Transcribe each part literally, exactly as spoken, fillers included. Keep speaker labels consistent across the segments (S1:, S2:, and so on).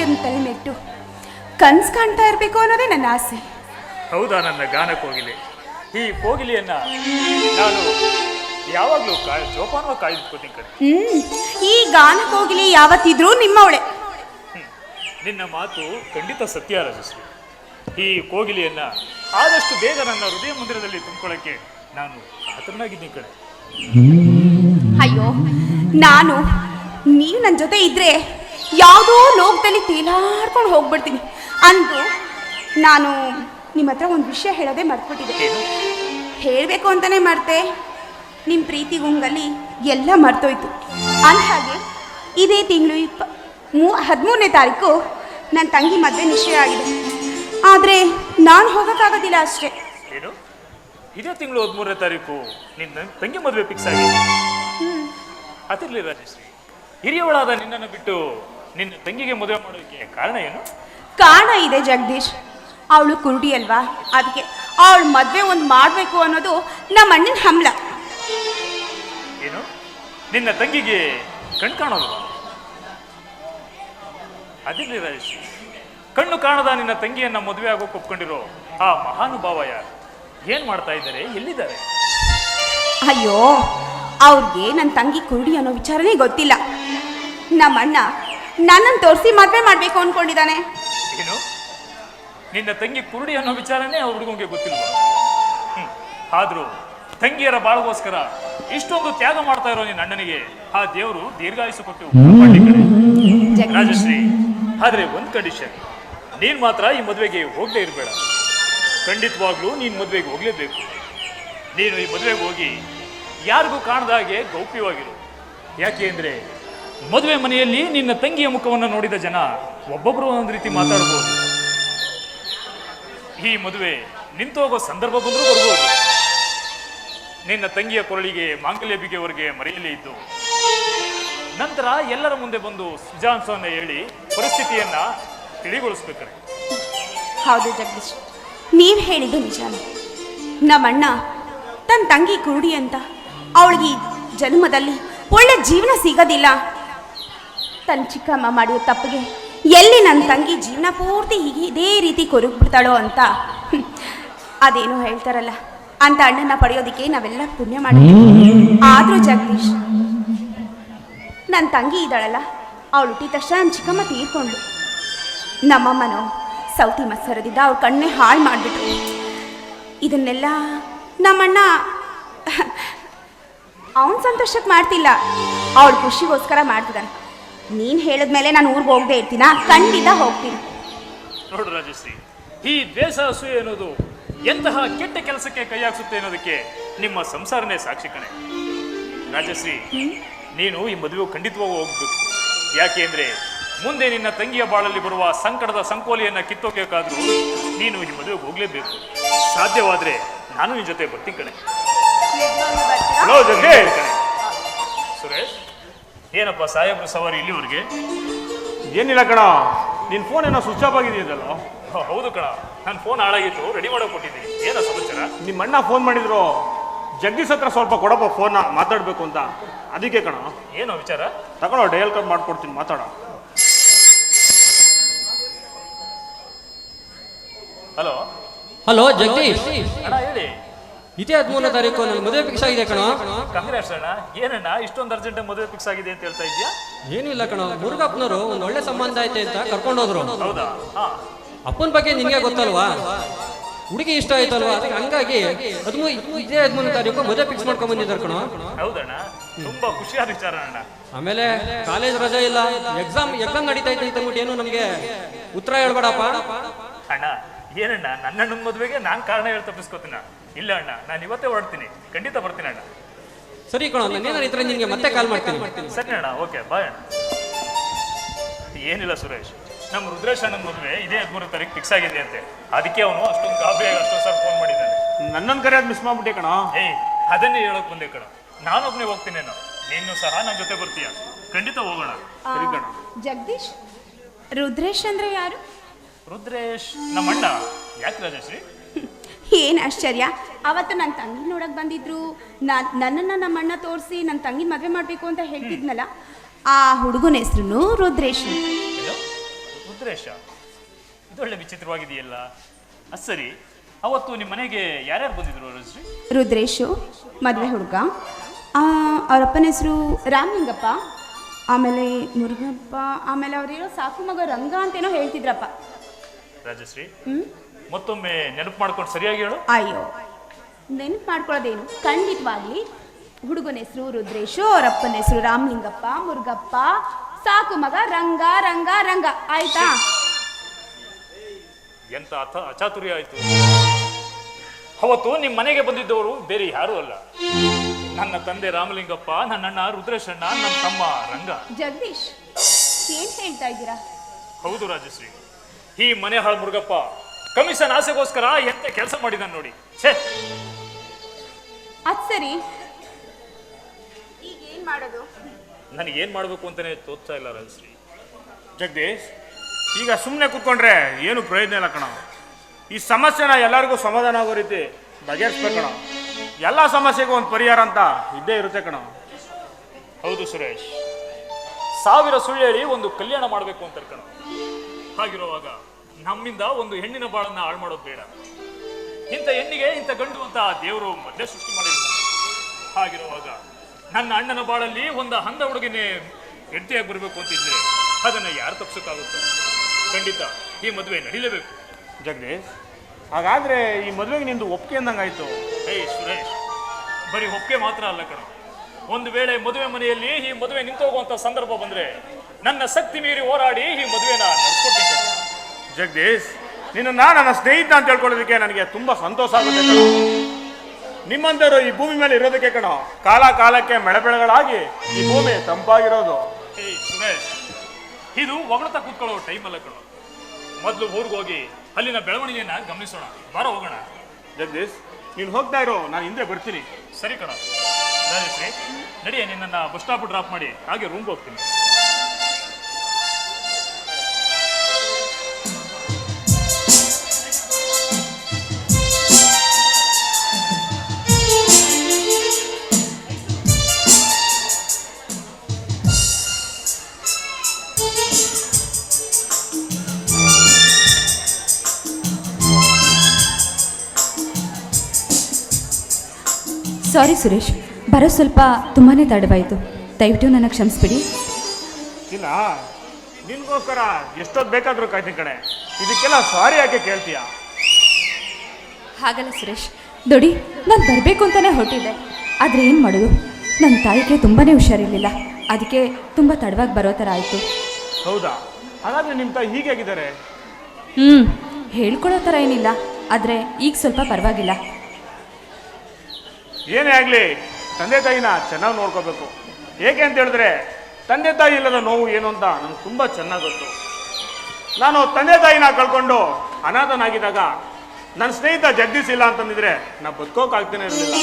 S1: ತಂಗಿಯನ್ನು ತಲೆ ಮೆಟ್ಟು ಕನ್ಸು ಕಾಣ್ತಾ ಇರಬೇಕು ಅನ್ನೋದೇ ನನ್ನ ಆಸೆ.
S2: ಹೌದಾ ನನ್ನ ಗಾನ ಕೋಗಿಲೆ? ಈ ಕೋಗಿಲೆಯನ್ನ ನಾನು ಯಾವಾಗಲೂ ಕಾಯ್ ಜೋಪಾನವಾಗಿ ಕಾಯ್ದುಕೋತೀನಿ ಕಡೆ.
S1: ಹ್ಮ್ ಈ ಗಾನ ಕೋಗಿಲೆ ಯಾವತ್ತಿದ್ರೂ ನಿಮ್ಮವಳೆ.
S2: ನಿನ್ನ ಮಾತು ಖಂಡಿತ ಸತ್ಯ ರಾಜಶ್ರೀ. ಈ ಕೋಗಿಲೆಯನ್ನ ಆದಷ್ಟು ಬೇಗ ನನ್ನ ಹೃದಯ ಮಂದಿರದಲ್ಲಿ ತುಂಬಿಕೊಳ್ಳಕ್ಕೆ ನಾನು ಕಾತರನಾಗಿದ್ದೀನಿ ಕಡೆ.
S1: ಅಯ್ಯೋ, ನಾನು ನೀವು ನನ್ನ ಜೊತೆ ಇದ್ರೆ ಯಾವುದೋ ಲೋಕದಲ್ಲಿ ತೇಲಾಡ್ಕೊಂಡು ಹೋಗ್ಬಿಡ್ತೀನಿ. ಅಂದು ನಾನು ನಿಮ್ಮ ಹತ್ರ ಒಂದು ವಿಷಯ ಹೇಳೋದೇ ಮರ್ತ್ಬಿಟ್ಟಿದ್ದೆ. ಹೇಳಬೇಕು ಅಂತಾನೆ ಮರ್ತೆ. ನಿಮ್ಮ ಪ್ರೀತಿ ಗುಂಗಲ್ಲಿ ಎಲ್ಲ ಮರ್ತೋಯ್ತು. ಅಂದಹಾಗೆ ಇದೇ ತಿಂಗಳು ಇಪ್ಪ ಮೂ ಹದಿಮೂರನೇ ತಾರೀಕು ನನ್ನ ತಂಗಿ ಮದುವೆ ನಿಶ್ಚಯ ಆಗಿದೆ. ಆದರೆ ನಾನು ಹೋಗೋಕ್ಕಾಗೋದಿಲ್ಲ ಅಷ್ಟೇ.
S2: ಏನು ಇದೇ ತಿಂಗಳು ಹದಿಮೂರನೇ ತಾರೀಕು ನಿನ್ನ ತಂಗಿ ಮದುವೆ ಫಿಕ್ಸ್ ಆಗಿದೆ? ಅದಿರಲಿ ರಾಜಶ್ರೀ, ಹಿರಿಯವಳಾದ ನಿನ್ನನ್ನು ಬಿಟ್ಟು ನಿನ್ನ ತಂಗಿಗೆ ಮದುವೆ ಮಾಡೋದಕ್ಕೆ ಕಾರಣ ಏನು?
S1: ಕಾರಣ ಇದೆ ಜಗದೀಶ್. ಅವಳು ಕುರುಡಿ ಅಲ್ವಾ, ಅದಕ್ಕೆ ಅವಳು ಮದುವೆ ಒಂದು ಮಾಡಬೇಕು ಅನ್ನೋದು ನಮ್ಮ ಅಣ್ಣನ ಹಂಬಲ.
S2: ಏನು ನಿನ್ನ ತಂಗಿಗೆ ಕಣ್ ಕಾಣೋದು? ಅದಿರಲಿ ರಾಜಶ್ರೀ, ಕಣ್ಣು ಕಾಣದ ನಿನ್ನ ತಂಗಿಯನ್ನ ಮದುವೆ ಆಗೋಕೆ ಒಪ್ಕೊಂಡಿರೋ ಆ ಮಹಾನುಭಾವ ಯಾರು? ಏನ್ ಮಾಡ್ತಾ ಇದ್ದಾರೆ? ಎಲ್ಲಿದ್ದಾರೆ?
S1: ಅಯ್ಯೋ, ಅವ್ರಿಗೆ ನನ್ನ ತಂಗಿ ಕುರುಡಿ ಅನ್ನೋ ವಿಚಾರನೇ ಗೊತ್ತಿಲ್ಲ. ನಮ್ಮ ಅಣ್ಣ ನನ್ನನ್ನು ತೋರಿಸಿ ಮದುವೆ ಮಾಡಬೇಕು ಅಂದ್ಕೊಂಡಿದ್ದಾನೆ.
S2: ಏನು ನಿನ್ನ ತಂಗಿ ಕುರುಡಿ ಅನ್ನೋ ವಿಚಾರನೇ ಆ ಹುಡುಗಂಗೆ ಗೊತ್ತಿಲ್ವಾ? ಹ್ಮ್ ಆದ್ರೂ ತಂಗಿಯರ ಬಾಳಗೋಸ್ಕರ ಇಷ್ಟೊಂದು ತ್ಯಾಗ ಮಾಡ್ತಾ ಇರೋ ನಿನ್ನ ಅಣ್ಣನಿಗೆ ಆ ದೇವರು ದೀರ್ಘಾಯುಷು ಕೊಟ್ಟು ರಾಜಶ್ರೀ. ಆದ್ರೆ ಒಂದ್ ಕಂಡೀಷನ್, ನೀನ್ ಮಾತ್ರ ಈ ಮದುವೆಗೆ ಹೋಗಲೇ ಇರಬೇಡ. ಖಂಡಿತವಾಗ್ಲೂ ನೀನ್ ಮದುವೆಗೆ ಹೋಗ್ಲೇಬೇಕು. ನೀನು ಈ ಮದುವೆಗೆ ಹೋಗಿ ಯಾರಿಗೂ ಕಾಣದ ಹಾಗೆ ಗೌಪ್ಯವಾಗಿರು. ಯಾಕೆ ಅಂದ್ರೆ ಮದುವೆ ಮನೆಯಲ್ಲಿ ನಿನ್ನ ತಂಗಿಯ ಮುಖವನ್ನು ನೋಡಿದ ಜನ ಒಬ್ಬೊಬ್ರು ಒಂದೊಂದು ರೀತಿ ಮಾತಾಡ್ಬೋದು. ಈ ಮದುವೆ ನಿಂತೋಗೋ ಸಂದರ್ಭ ಬಂದರೂ ಬರ್ಬೋದು. ನಿನ್ನ ತಂಗಿಯ ಕೊರಳಿಗೆ ಮಾಂಗಲ್ಯ ಬಿಗೆಯವರೆಗೆ ಮರೆಯಲೇ ಇದ್ದು ನಂತರ ಎಲ್ಲರ ಮುಂದೆ ಬಂದು ಸುಜಾನ್ಸನ್ನ ಹೇಳಿ ಪರಿಸ್ಥಿತಿಯನ್ನ ತಿಳಿಗೊಳಿಸ್ಬೇಕಾರೆ.
S1: ಹೌದು ಜಗದೀಶ್, ನೀವು ಹೇಳಿದ್ದು ನಿಜಾನೇ. ನಮ್ಮಣ್ಣ ತನ್ನ ತಂಗಿ ಕುರುಡಿ ಅಂತ ಅವಳಿಗೆ ಜನ್ಮದಲ್ಲಿ ಒಳ್ಳೆ ಜೀವನ ಸಿಗೋದಿಲ್ಲ. ತನ್ನ ಚಿಕ್ಕಮ್ಮ ಮಾಡಿದ ತಪ್ಪಿಗೆ ಎಲ್ಲಿ ನನ್ನ ತಂಗಿ ಜೀವನ ಪೂರ್ತಿ ಹೀಗೆ ಇದೇ ರೀತಿ ಕೊರಗ್ಬಿಡ್ತಾಳೋ ಅಂತ ಅದೇನೋ ಹೇಳ್ತಾರಲ್ಲ, ಅಂತ ಅಣ್ಣನ ಪಡೆಯೋದಕ್ಕೆ ನಾವೆಲ್ಲ ಪುಣ್ಯ ಮಾಡಿದ್ವಿ. ಆದರೂ ಜಗದೀಶ್, ನನ್ನ ತಂಗಿ ಇದ್ದಾಳಲ್ಲ, ಅವಳು ಹುಟ್ಟಿದ ತಕ್ಷಣ ನನ್ನ ಚಿಕ್ಕಮ್ಮ ತೀರ್ಕೊಂಡ್ಳು. ನಮ್ಮಮ್ಮನೋ ಸೌತಿ ಮತ್ಸರದಿಂದ ಅವ್ರ ಕಣ್ಣೇ ಹಾಳು ಮಾಡಿಬಿಟ್ರು. ಇದನ್ನೆಲ್ಲ ನಮ್ಮಣ್ಣ ಅವನ ಸಂತೋಷಕ್ಕೆ ಮಾಡ್ತಿಲ್ಲ, ಅವಳ ಖುಷಿಗೋಸ್ಕರ ಮಾಡ್ತಿದ್ದಾನೆ. ನೀನು ಹೇಳಿದ್ಮೇಲೆ ನಾನು ಊರಿಗೆ ಹೋಗದೆ ಇರ್ತೀನ? ಖಂಡಿತ ಹೋಗ್ತೀನಿ.
S2: ನೋಡು ರಾಜಶ್ರೀ, ಈ ದ್ವೇಷ ಅಸೂಯೆ ಅನ್ನೋದು ಎಂತಹ ಕೆಟ್ಟ ಕೆಲಸಕ್ಕೆ ಕೈ ಹಾಕ್ಸುತ್ತೆ ಅನ್ನೋದಕ್ಕೆ ನಿಮ್ಮ ಸಂಸಾರನೇ ಸಾಕ್ಷಿ ಕಣೆ. ರಾಜಶ್ರೀ, ನೀನು ಈ ಮದುವೆ ಖಂಡಿತವಾಗೂ ಹೋಗ್ಬೇಕು. ಯಾಕೆ ಅಂದ್ರೆ ಮುಂದೆ ನಿನ್ನ ತಂಗಿಯ ಬಾಳಲ್ಲಿ ಬರುವ ಸಂಕಟದ ಸಂಕೋಲೆಯನ್ನ ಕಿತ್ತೋಬೇಕಾದ್ರೂ ನೀನು ಈ ಮದುವೆಗೆ ಹೋಗ್ಲೇಬೇಕು. ಸಾಧ್ಯವಾದ್ರೆ ನಾನು ನಿನ್ನ ಜೊತೆ ಬರ್ತೀನಿ ಕಣೆ. ಹಲೋ ಜಗದೀಶ್. ಸುರೇಶ್, ಏನಪ್ಪ ಸಾಹೇಬ್ರ ಸವಾರಿ ಇಲ್ಲಿವರೆಗೆ?
S3: ಏನಿಲ್ಲ ಕಣ, ನಿನ್ನ ಫೋನ್ ಏನೋ ಸ್ವಿಚ್ ಆಫ್ ಆಗಿದೆಯಲ್ಲ?
S2: ಹೌದು ಕಣ, ನನ್ನ ಫೋನ್ ಹಾಳಾಗಿತ್ತು, ರೆಡಿ ಮಾಡೋಕೆ ಕೊಟ್ಟಿದ್ದೀನಿ. ಏನೋ ಸಮಾಚಾರ?
S3: ನಿಮ್ಮ ಅಣ್ಣ ಫೋನ್ ಮಾಡಿದ್ರು, ಜಗದೀಶ್ ಹತ್ರ ಸ್ವಲ್ಪ ಕೊಡಪ್ಪ ಫೋನ್ನ ಮಾತಾಡಬೇಕು ಅಂತ. ಅದಕ್ಕೆ ಕಣ.
S2: ಏನೋ ವಿಚಾರ?
S3: ತಗೊಳ್ಳೋ, ಡಯಲ್ ಕಾಲ್ ಮಾಡ್ಕೊಡ್ತೀನಿ, ಮಾತಾಡ.
S2: ಹಲೋ
S4: ಹಲೋ ಜಗದೀಶ್
S2: ಅಣ್ಣ, ಹೇಳಿ.
S4: ಇದೇ ಹದಿಮೂರನೇ ತಾರೀಕು ನನ್ನ ಮದುವೆ ಫಿಕ್ಸ್ ಆಗಿದೆ ಕಣ.
S2: ಕಾಂಗ್ರೆಸ್ ಅಣ್ಣ. ಏನಣ್ಣ ಇಷ್ಟೊಂದು ಅರ್ಜೆಂಟ್ ಮದುವೆ ಫಿಕ್ಸ್ ಆಗಿದೆ ಅಂತ ಹೇಳ್ತಾ ಇದೆಯಾ?
S4: ಏನಿಲ್ಲ ಕಣ, ಮುರುಗಪ್ಪನವರು ಒಂದು ಒಳ್ಳೆ ಸಂಬಂಧ ಐತೆ ಅಂತ ಕರ್ಕೊಂಡೋದ್ರು.
S2: ಹೌದಾ? ಹಾ.
S4: ಅಪ್ಪನ ಬಗ್ಗೆ ನಿನ್ಗೆ ಗೊತ್ತಲ್ವಾ, ಹುಡುಗಿ ಇಷ್ಟ ಆಯ್ತಲ್ವಾ, ಅದಕ್ಕೆ ಹಂಗಾಗಿ ಹದಿಮೂ ಇದೇ ಹದಿಮೂರನೇ ತಾರೀಕು ಮದುವೆ ಫಿಕ್ಸ್ ಮಾಡ್ಕೊಂಡ್ ಬಂದಿದ್ದಾರೆ ಕಣ.
S2: ಹೌದಣ್ಣ, ತುಂಬಾ ಖುಷಿಯಾದ ವಿಚಾರ ಅಣ್ಣ.
S4: ಆಮೇಲೆ ಕಾಲೇಜ್ ರಜೆ ಇಲ್ಲ, ಎಕ್ಸಾಮ್ ಎಕ್ಸಾಮ್ ನಡೀತಾ ಇತ್ತು ಅಂತ ಏನು ನಮ್ಗೆ ಉತ್ತರ ಹೇಳ್ಬೇಡಪ್ಪ.
S2: ಅಣ್ಣ ಏನಣ್ಣ, ನನ್ನ ಅಣ್ಣನ ಮದುವೆಗೆ ನಾನು ಕಾರಣ ಹೇಳಿ ತಪ್ಪಿಸ್ಕೋತೀನ? ಇಲ್ಲ ಅಣ್ಣ, ನಾನು ಇವತ್ತೇ ಹೊರಡ್ತೀನಿ, ಖಂಡಿತ ಬರ್ತೀನಿ ಅಣ್ಣ.
S4: ಸರಿ ಕಣ, ನಾನೇನಾರು ಇದ್ರೆ ನಿನ್ಗೆ ಮತ್ತೆ ಕಾಲ್ ಮಾಡ್ತೀನಿ.
S2: ಸರಿ ಅಣ್ಣ, ಓಕೆ ಬಾಯ್ ಅಣ್ಣ. ಏನಿಲ್ಲ ಸುರೇಶ್, ನಮ್ಮ ರುದ್ರೇಶ್ ಅಣ್ಣನ ಮದುವೆ ಇದೇ ಹದಿಮೂರನೇ ತಾರೀಕು ಫಿಕ್ಸ್ ಆಗಿದೆ ಅಂತೆ. ಅದಕ್ಕೆ ಅವನು ಅಷ್ಟೊಂದು ಗಾಬರಿಯಾಗಿ ಅಷ್ಟೊಂದು ಸರ್ ಫೋನ್ ಮಾಡಿದ್ದಾನೆ.
S3: ನನ್ನನ್ನು ಕರೆಯೋದು ಮಿಸ್ ಮಾಡ್ಬಿಟ್ಟೆ ಕಣ.
S2: ಏಯ್, ಅದನ್ನೇ ಹೇಳೋಕೆ ಬಂದೆ ಕಣ. ನಾನೊಬ್ಬನೇ ಹೋಗ್ತೀನೇನೋ, ನೀನು ಸಹ ನನ್ನ ಜೊತೆ ಬರ್ತೀಯ? ಖಂಡಿತ ಹೋಗೋಣ.
S3: ಸರಿ ಕಣ.
S1: ಜಗದೀಶ್, ರುದ್ರೇಶ್ ಅಂದ್ರೆ ಯಾರು?
S2: ರುದ್ರೇಶ್ ನಮ್ಮ ಅಣ್ಣ. ಯಾಕೆ ರಾಜಶ್ರೀ?
S1: ಏನು ಆಶ್ಚರ್ಯ, ಅವತ್ತು ನನ್ನ ತಂಗಿ ನೋಡಕ್ ಬಂದಿದ್ರು. ನಾನು ನನ್ನನ್ನು ನಮ್ಮ ಅಣ್ಣ ತೋರಿಸಿ ನನ್ನ ತಂಗಿ ಮದುವೆ ಮಾಡಬೇಕು ಅಂತ ಹೇಳ್ತಿದ್ನಲ್ಲ, ಆ ಹುಡುಗನ ಹೆಸರು ರುದ್ರೇಶ್.
S2: ರುದ್ರೇಶ, ಇದೊಳ್ಳೆ ವಿಚಿತ್ರವಾಗಿದೆಯಲ್ಲ. ಅದು ಸರಿ, ಅವತ್ತು ನಿಮ್ಮ ಮನೆಗೆ ಯಾರ್ಯಾರು ಬಂದಿದ್ರು ರಾಜಶ್ರೀ?
S1: ರುದ್ರೇಶು ಮದುವೆ ಹುಡುಗ, ಅವರಪ್ಪನ ಹೆಸರು ರಾಮಲಿಂಗಪ್ಪ, ಆಮೇಲೆ ಮುರುಗಪ್ಪ, ಆಮೇಲೆ ಅವ್ರಿರೋ ಸಾಕು ಮಗ ರಂಗ ಅಂತೇನೋ ಹೇಳ್ತಿದ್ರಪ್ಪ.
S2: ರಾಜಶ್ರೀ,
S1: ಹ್ಮ್
S2: ಮತ್ತೊಮ್ಮೆ ನೆನಪು ಮಾಡ್ಕೊಂಡು ಸರಿಯಾಗಿ ಹೇಳು.
S1: ಅಯ್ಯೋ, ನೆನಪು ಮಾಡ್ಕೊಳ್ಳೋದೇನು, ಖಂಡಿತವಾಗ್ಲಿ ಹುಡುಗನ ಹೆಸರು ರುದ್ರೇಶು, ಅವರಪ್ಪನ ಹೆಸರು ರಾಮಲಿಂಗಪ್ಪ, ಮುರುಗಪ್ಪ, ಸಾಕು ಮಗ ರಂಗ ರಂಗ ರಂಗ. ಆಯ್ತಾ?
S2: ಎಂತ ಅಥ ಅಚಾತುರ್ಯ ಆಯ್ತು. ಅವತ್ತು ನಿಮ್ಮ ಮನೆಗೆ ಬಂದಿದ್ದವರು ಬೇರೆ ಯಾರೂ ಅಲ್ಲ, ನನ್ನ ತಂದೆ ರಾಮಲಿಂಗಪ್ಪ, ನನ್ನ ಅಣ್ಣ ರುದ್ರೇಶಣ್ಣ, ನನ್ನ ತಮ್ಮ ರಂಗ.
S1: ಜಗದೀಶ್, ಏನ್ ಹೇಳ್ತಾ ಇದ್ದೀರಾ?
S2: ಹೌದು ರಾಜಶ್ರೀ, ಈ ಮನೆ ಹಾಳು ಮುರುಗಪ್ಪ ಕಮಿಷನ್ ಆಸೆಗೋಸ್ಕರ ಎಂತ ಕೆಲಸ ಮಾಡಿದ ನೋಡಿ. ಛೇ,
S1: ಅದ್ ಸರಿ, ಈಗ ಏನ್ ಮಾಡೋದು?
S2: ನನಗೆ ಏನ್ ಮಾಡ್ಬೇಕು ಅಂತಾನೆ ತೋಚ್ತಾ ಇಲ್ಲ ರಾಜಶ್ರೀ.
S3: ಜಗದೀಶ್, ಈಗ ಸುಮ್ಮನೆ ಕೂತ್ಕೊಂಡ್ರೆ ಏನು ಪ್ರಯೋಜನ ಇಲ್ಲ ಕಣ. ಈ ಸಮಸ್ಯೆನ ಎಲ್ಲರಿಗೂ ಸಮಾಧಾನ ಆಗೋ ರೀತಿ ಬಗೆಹರಿಸ್ಬೇಕು ಕಣ. ಎಲ್ಲ ಸಮಸ್ಯೆಗೂ ಒಂದು ಪರಿಹಾರ ಅಂತ ಇದ್ದೇ ಇರುತ್ತೆ ಕಣ.
S2: ಹೌದು ಸುರೇಶ್, ಸಾವಿರ ಸುಳ್ಳು ಹೇಳಿ ಒಂದು ಕಲ್ಯಾಣ ಮಾಡಬೇಕು ಅಂತ ಕಣ. ಹಾಗಿರುವಾಗ ನಮ್ಮಿಂದ ಒಂದು ಹೆಣ್ಣಿನ ಬಾಳನ್ನ ಹಾಳು ಮಾಡೋದು ಬೇಡ. ಇಂಥ ಹೆಣ್ಣಿಗೆ ಇಂಥ ಗಂಡು ಅಂತ ದೇವರು ಮೊದಲೇ ಸೃಷ್ಟಿ ಮಾಡಿರ್ತಾರೆ. ಹಾಗಿರುವಾಗ ನನ್ನ ಅಣ್ಣನ ಬಾಳಲ್ಲಿ ಒಂದು ಹಂದ ಹುಡುಗಿನೇ ಹೆಂಡತಿಯಾಗಿ ಬರಬೇಕು ಅಂತಿದ್ರೆ ಅದನ್ನ ಯಾರು ತಪ್ಪಿಸೋಕ್ಕಾಗುತ್ತೋ? ಖಂಡಿತ ಈ ಮದುವೆ ನಡೀಲೇಬೇಕು.
S3: ಜಗದೀಶ್, ಹಾಗಾದ್ರೆ ಈ ಮದುವೆಗೆ ನಿಂದು ಒಪ್ಪಿಗೆ ಅಂದಂಗಾಯ್ತು.
S2: ಏಯ್ ಸುರೇಶ್, ಬರೀ ಒಪ್ಪಿಗೆ ಮಾತ್ರ ಅಲ್ಲ ಕಣ. ಒಂದು ವೇಳೆ ಮದುವೆ ಮನೆಯಲ್ಲಿ ಈ ಮದುವೆ ನಿಂತು ಹೋಗುವಂತ ಸಂದರ್ಭ ಬಂದ್ರೆ ನನ್ನ ಶಕ್ತಿ ಮೀರಿ ಹೋರಾಡಿ ಈ ಮದುವೆನ ನಡೆಸ್ಕೊಟ್ಟಿದ್ದೆ.
S3: ಜಗದೀಶ್, ನಿನ್ನ ನನ್ನ ಸ್ನೇಹಿತ ಅಂತ ಹೇಳ್ಕೊಳ್ಳೋದಕ್ಕೆ ನನಗೆ ತುಂಬಾ ಸಂತೋಷ ಆಗುತ್ತೆ ಕಣ. ನಿಮ್ಮಂತವರು ಈ ಭೂಮಿ ಮೇಲೆ ಇರೋದಕ್ಕೆ ಕಣ ಕಾಲ ಕಾಲಕ್ಕೆ ಮಳೆ ಬೆಳೆಗಳಾಗಿ ಈ ಭೂಮಿ ತಂಪಾಗಿರೋದು.
S2: ಏಯ್ ಸುರೇಶ್, ಇದು ಹೊಗಳ್ತಾ ಕೂತ್ಕೊಳ್ಳೋ ಟೈಮ್ ಅಲ್ಲ ಕಣ. ಮೊದಲು ಊರಿಗೆ ಹೋಗಿ ಅಲ್ಲಿನ ಬೆಳವಣಿಗೆಯನ್ನ ಗಮನಿಸೋಣ. ಬಾರ ಹೋಗೋಣ.
S3: ಜಗದೀಶ್, ನೀನು ಹೋಗ್ತಾ ಇರೋ, ನಾನು ಹಿಂದೆ ಬರ್ತೀನಿ.
S2: ಸರಿ ಕಣ. ರಾಜಶ್ರೀ, ನಡಿಯೇ, ನಿನ್ನನ್ನು ಬಸ್ ಸ್ಟಾಪ್ ಡ್ರಾಪ್ ಮಾಡಿ ಹಾಗೆ ರೂಮ್ಗೆ ಹೋಗ್ತೀನಿ.
S5: ಸಾರಿ ಸುರೇಶ್, ಬರೋ ಸ್ವಲ್ಪ ತುಂಬಾ ತಡವಾಯಿತು, ದಯವಿಟ್ಟು ನನಗೆ ಕ್ಷಮಿಸ್ಬಿಡಿ.
S3: ಇಲ್ಲ, ನಿನ್ಗೋಸ್ಕರ ಎಷ್ಟೊತ್ತು ಬೇಕಾದರೂ ಕಾಯ್ತೀನಿ ಕಣೆ. ಇದಕ್ಕೆಲ್ಲ ಸಾರಿ ಯಾಕೆ ಕೇಳ್ತೀಯ?
S5: ಹಾಗಲ್ಲ ಸುರೇಶ್, ದೊಡಿ, ನಾನು ಬರಬೇಕು ಅಂತಲೇ ಹೊರಟಿದ್ದೆ. ಆದರೆ ಏನು ಮಾಡೋದು, ನನ್ನ ತಾಯಿಗೆ ತುಂಬಾ ಹುಷಾರಿರಲಿಲ್ಲ, ಅದಕ್ಕೆ ತುಂಬ ತಡವಾಗಿ ಬರೋ ಥರ ಆಯಿತು.
S3: ಹೌದಾ? ಹಾಗಾದರೆ ನಿಮ್ಮ ತಾಯಿ ಹೀಗಾಗಿದ್ದಾರೆ?
S5: ಹ್ಞೂ, ಹೇಳ್ಕೊಳ್ಳೋ ಥರ ಏನಿಲ್ಲ, ಆದರೆ ಈಗ ಸ್ವಲ್ಪ ಪರವಾಗಿಲ್ಲ.
S3: ಏನೇ ಆಗಲಿ, ತಂದೆ ತಾಯಿನ ಚೆನ್ನಾಗಿ ನೋಡ್ಕೋಬೇಕು. ಏಕೆ ಅಂತ ಹೇಳಿದ್ರೆ ತಂದೆ ತಾಯಿ ಇಲ್ಲದ ನೋವು ಏನು ಅಂತ ನನಗೆ ತುಂಬ ಚೆನ್ನಾಗಿ ಗೊತ್ತು. ನಾನು ತಂದೆ ತಾಯಿನ ಕಳ್ಕೊಂಡು ಅನಾಥನಾಗಿದ್ದಾಗ ನನ್ನ ಸ್ನೇಹಿತ ಜಗದೀಶ್ ಇಲ್ಲ ಅಂತಂದಿದ್ರೆ ನಾ ಬದುಕೋಕಾಗ್ತಾನೆ ಇರಲಿಲ್ಲ.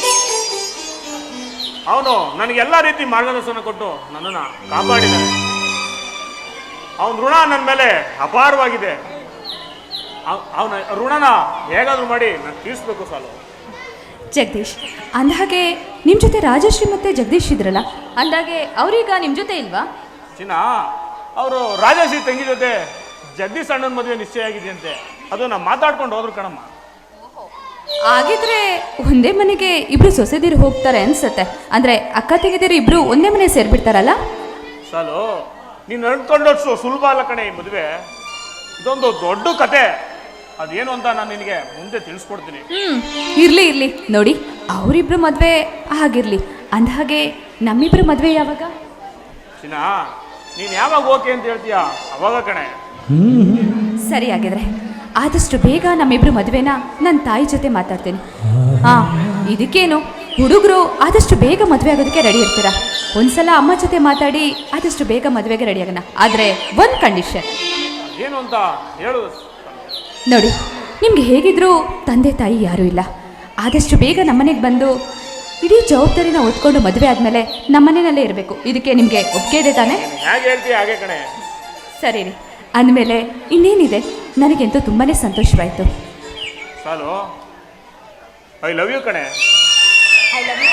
S3: ಅವನು ನನಗೆಲ್ಲ ರೀತಿ ಮಾರ್ಗದರ್ಶನ ಕೊಟ್ಟು ನನ್ನನ್ನು ಕಾಪಾಡಿದ್ದಾನೆ. ಅವನ ಋಣ ನನ್ನ ಮೇಲೆ ಅಪಾರವಾಗಿದೆ. ಅವನ ಋಣನ ಹೇಗಾದರೂ ಮಾಡಿ ನಾನು ತೀರಿಸ್ಬೇಕು ಸಾಲು.
S5: ಜಗದೀಶ್, ಅಂದಹಾಗೆ ನಿಮ್ಮ ಜೊತೆ ರಾಜಶ್ರೀ ಮತ್ತು ಜಗದೀಶ್ ಇದ್ರಲ್ಲ, ಅಂದಾಗೆ ಅವರೀಗ ನಿಮ್ಮ ಜೊತೆ ಇಲ್ವಾ?
S3: ಚಿನ್ನ, ಅವರು ರಾಜಶ್ರೀ ತಂಗಿ ಜೊತೆ ಜಗದೀಶ್ ಅಣ್ಣನ ಮದುವೆ ನಿಶ್ಚಯ ಆಗಿದೆಯಂತೆ. ಅದು ನಾವು ಮಾತಾಡ್ಕೊಂಡು ಹೋದ್ರು ಕಣಮ್ಮ.
S5: ಆಗಿದ್ರೆ ಒಂದೇ ಮನೆಗೆ ಇಬ್ರು ಸೊಸೆದಿರು ಹೋಗ್ತಾರೆ ಅನ್ಸುತ್ತೆ. ಅಂದರೆ ಅಕ್ಕ ತಂಗಿದಿರು ಇಬ್ರು ಒಂದೇ ಮನೆ ಸೇರಿಬಿಡ್ತಾರಲ್ಲ?
S3: ಸಾಲು, ನೀನು ಅನ್ಕೊಂಡಷ್ಟು ಸುಲಭ ಅಲ್ಲ ಕಣೆ ಈ ಮದುವೆ. ಇದೊಂದು ದೊಡ್ಡ ಕತೆ. ಅದೇನು ಅಂತ ನಾನು ನಿನಗೆ ಮುಂದೆ ತಿಳಿಸ್ಕೊಡ್ತೀನಿ.
S5: ಹ್ಮ್, ಇರ್ಲಿ ಇರ್ಲಿ, ನೋಡಿ ಅವರಿಬ್ರು ಮದುವೆ ಆಗಿರ್ಲಿ, ಅಂದಹಾಗೆ ನಮ್ಮಿಬ್ರು ಮದುವೆ ಯಾವಾಗ?
S3: ಚಿನ್ನ, ನೀನು ಯಾವಾಗ ಓಕೆ ಅಂತ ಹೇಳ್ತೀಯ ಅವಾಗ ಕಣೆ.
S5: ಸರಿ, ಆಗಿದ್ರೆ ಆದಷ್ಟು ಬೇಗ ನಮ್ಮಿಬ್ರು ಮದುವೆನ ನನ್ನ ತಾಯಿ ಜೊತೆ ಮಾತಾಡ್ತೀನಿ. ಹಾಂ, ಇದಕ್ಕೇನು, ಹುಡುಗರು ಆದಷ್ಟು ಬೇಗ ಮದುವೆ ಆಗೋದಕ್ಕೆ ರೆಡಿ ಇರ್ತೀರಾ. ಒಂದ್ಸಲ ಅಮ್ಮ ಜೊತೆ ಮಾತಾಡಿ ಆದಷ್ಟು ಬೇಗ ಮದುವೆಗೆ ರೆಡಿ ಆಗೋಣ. ಆದರೆ ಒಂದು ಕಂಡೀಷನ್.
S3: ಏನು ಅಂತ ಹೇಳು.
S5: ನೋಡಿ, ನಿಮ್ಗೆ ಹೇಗಿದ್ರೂ ತಂದೆ ತಾಯಿ ಯಾರೂ ಇಲ್ಲ. ಆದಷ್ಟು ಬೇಗ ನಮ್ಮನೆಗೆ ಬಂದು ಇಡೀ ಜವಾಬ್ದಾರಿನ ಹೊತ್ಕೊಂಡು ಮದುವೆ ಆದಮೇಲೆ ನಮ್ಮನೆಯಲ್ಲೇ ಇರಬೇಕು. ಇದಕ್ಕೆ ನಿಮಗೆ ಒಪ್ಪಿಗೆ ಇದೆ ತಾನೇ?
S3: ಹೇಗೆ ಹೇಳ್ತೀಯ ಹಾಗೆ ಕಣೆ.
S5: ಸರಿ ರೀ, ಅಂದಮೇಲೆ ಇನ್ನೇನಿದೆ, ನನಗಂತೂ ತುಂಬಾ ಸಂತೋಷವಾಯಿತು.
S3: ಸಾಲು, ಐ ಲವ್ ಯು ಕಣೆ.
S1: I love